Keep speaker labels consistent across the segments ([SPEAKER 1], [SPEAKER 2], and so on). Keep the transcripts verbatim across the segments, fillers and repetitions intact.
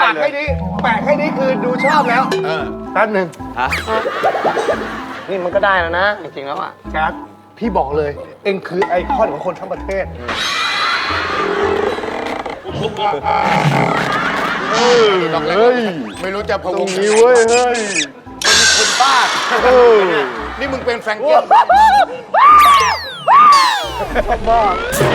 [SPEAKER 1] ากให้นี้แปะให้นี้คือดูชอบแล้วแป๊บหนึ่ง
[SPEAKER 2] ฮะนี่มันก็ได้แล้วนะจริงๆแล้วอ่ะ
[SPEAKER 1] แจ๊ดพี่บอกเลย เอ็งคือไอคอนของคนทั้งประเทศ
[SPEAKER 3] เฮ้ยไม่รู้จะพะวงนี้เว้ยเฮ้ยมันมีคนบ้านี่มึงเป็นแฟรงเกิล
[SPEAKER 1] ชอบมาก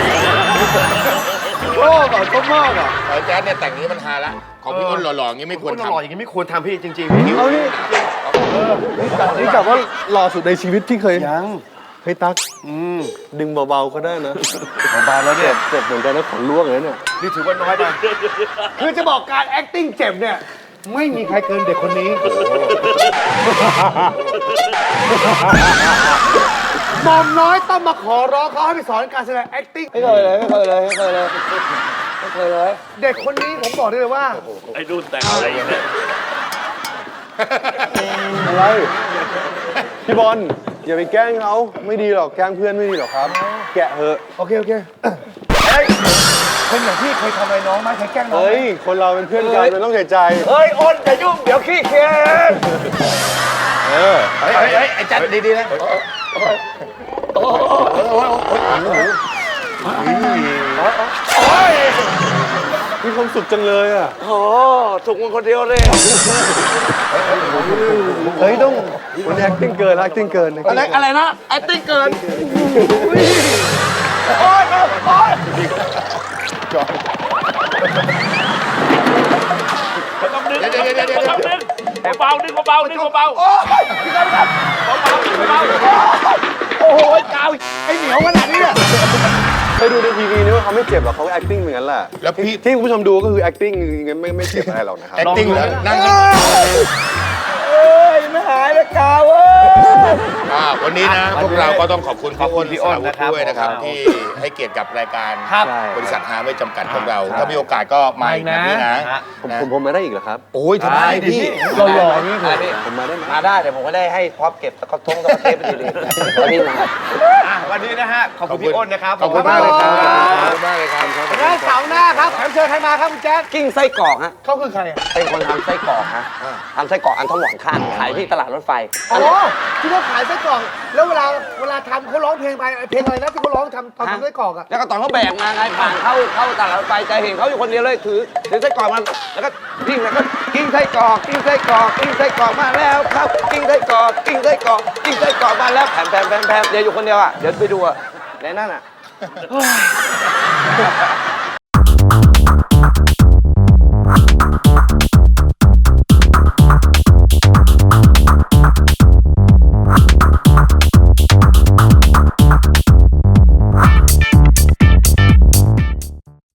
[SPEAKER 1] ชอบอ่ะชอบมากอ่ะ
[SPEAKER 3] ไอ้แจ๊ดเนี่ยแต่งนี้มันฮาละของพี่อ้นหล่อๆอย่างนี้ไม่ควร
[SPEAKER 1] คน
[SPEAKER 3] ทำ
[SPEAKER 1] หล่ออย่างนี้ไม่ควรทำพี่จริงๆพี่เอานี่นี่กะว่าหล่อสุดในชีวิตที่เคยยังเฮ้ยตั๊กดึงเบาๆก็ได้นะเบาๆแล้วเนี่ยเจ็บเหมือนกันนะขนล่วงเลยเนี่ยนี่ถือว่าน้อยไปคือจะบอกการ acting เจ็บเนี่ยไม่มีใครเกินเด็กคนนี้หม่อมน้อยต้องมาขอร้องเขาให้ไปสอนการแสดง acting
[SPEAKER 2] ไม่เคยเลยไม่เคยเลยไม่เคยเลยไม่เคยเลย
[SPEAKER 1] เด็กคนนี้ผมบอกได้เลยว่า
[SPEAKER 4] ไอ้รุ่นแต่งอะไรอย่างเงี้ย
[SPEAKER 5] อะไรพี่บอลอย่าไปแกล้งเขาไม่ดีหรอกแกล้งเพื่อนไม่ดีหรอกครับ แกะเหอะ
[SPEAKER 1] โอเค โอเคเฮ้ยคนอย่างพี่เคยทำอะไรน้องไหมเคยแกล้งน้องไหม
[SPEAKER 5] เฮ้ยคนเราเป็นเพื่อนกันมันต้องใส่ใจ
[SPEAKER 2] เฮ้ยอ้นอย่ายุ่งเดี๋ยวขี้เคียน
[SPEAKER 5] เออ
[SPEAKER 3] เฮ้ยเฮ้ยเฮ้ยไอ้จัดดีๆนะ
[SPEAKER 5] มีความสุขจังเลยอ่ะ
[SPEAKER 2] โอ้ถูกมึงคนเดียวเลย
[SPEAKER 5] เฮ้ยต้องวันนี้ acting เกิน acting เกิน
[SPEAKER 2] อะไรอะไรนะไอ้ติ้งเกินโอ้ยโอ้ย
[SPEAKER 4] ต้องดึง
[SPEAKER 3] เดี๋ยวเดี๋ยวเดี๋ยวเดี๋ยว
[SPEAKER 4] ต้องดึงเบาๆดึงเบาๆดึงเบาๆเบาๆดึงเบา
[SPEAKER 1] โอ้โหกาวไอเหนียวขนาดนี้เนี่ย
[SPEAKER 5] เคยดูในทีวีนี่ว่าเขาไม่เจ็บหรอกเขา acting เหมือนกันแหละ
[SPEAKER 3] แล้วพี่
[SPEAKER 5] ที่คุณผู้ชมดูก็คือ acting งั้นไม่ไม่เจ็บอะไรหรอกนะครับ
[SPEAKER 3] acting เหรอนั่ง
[SPEAKER 2] เอ้ยไม่หายเลยกาวเว้ย
[SPEAKER 3] อ่าวันนี้นะพวกเราก็ต้องขอบคุณพี่อ้นพี่อ้นนะครับด้วยนะครับที่ให้เกียรติกับรายการบริษัทหาไม่จำกัดของเรา ถ้ามีโอกาสก็มาอีกนะพี่นะ
[SPEAKER 5] ผมผมผมมาได้อีกเหรอครับ
[SPEAKER 3] โอ้ยทำไมพี่
[SPEAKER 1] เราหล่อๆนี่คือ
[SPEAKER 5] ผมมาได้ไหม
[SPEAKER 2] มาได้เดี๋ยวผมก็ได้ให้พร็อพเก็บตะกร้อทงตะกร้อเทปไปดีๆแล้วพี่มา
[SPEAKER 1] อ่ะวันนี้นะฮะ ขอบคุณพี่อ้นนะครับ
[SPEAKER 3] ขอบคุณมากเลยครับขอบคุณมากเลยครับ
[SPEAKER 1] แล้วเสาร์หน้าครับแขกเชิญใครมาครับคุณแจ๊ด
[SPEAKER 2] กิ้งไส้กรอกฮะ
[SPEAKER 1] เขาคือใครอ่ะ
[SPEAKER 2] เป็นคนทำไส้กรอกฮะทำไส้กรอกอันทองหวานข้างขายที่ตลาดรถไฟ
[SPEAKER 1] อ๋อที่เขาขายไส้กรอกแล้วเวลาเวลาทำเขาร้องเพลงไปเพลงอะไรนะที่เขาร้องทำตอนทำไส้กรอกอ่ะ
[SPEAKER 2] แล้วก็ตอนเขาแบกมาไงผ่านเข้าเข้าตลาดรถไฟจะเห็นเขาอยู่คนเดียวเลยถือถือไส้กรอกมันแล้วก็กิ้งแล้วก็กิ้งไส้กรอกกิ้งไส้กรอกกิ้งไส้กรอกมาแล้วครับกิ้งไส้กรอกกิ้งไส้กรอกกิ้งไส้กรอกมาแล้วแผ่นแผ่นแผ่นแผ่นเดี๋ยวอยู่คนเดียวอ่ะเดี๋ยวไปดูอ่ะในนั่นอ่ะ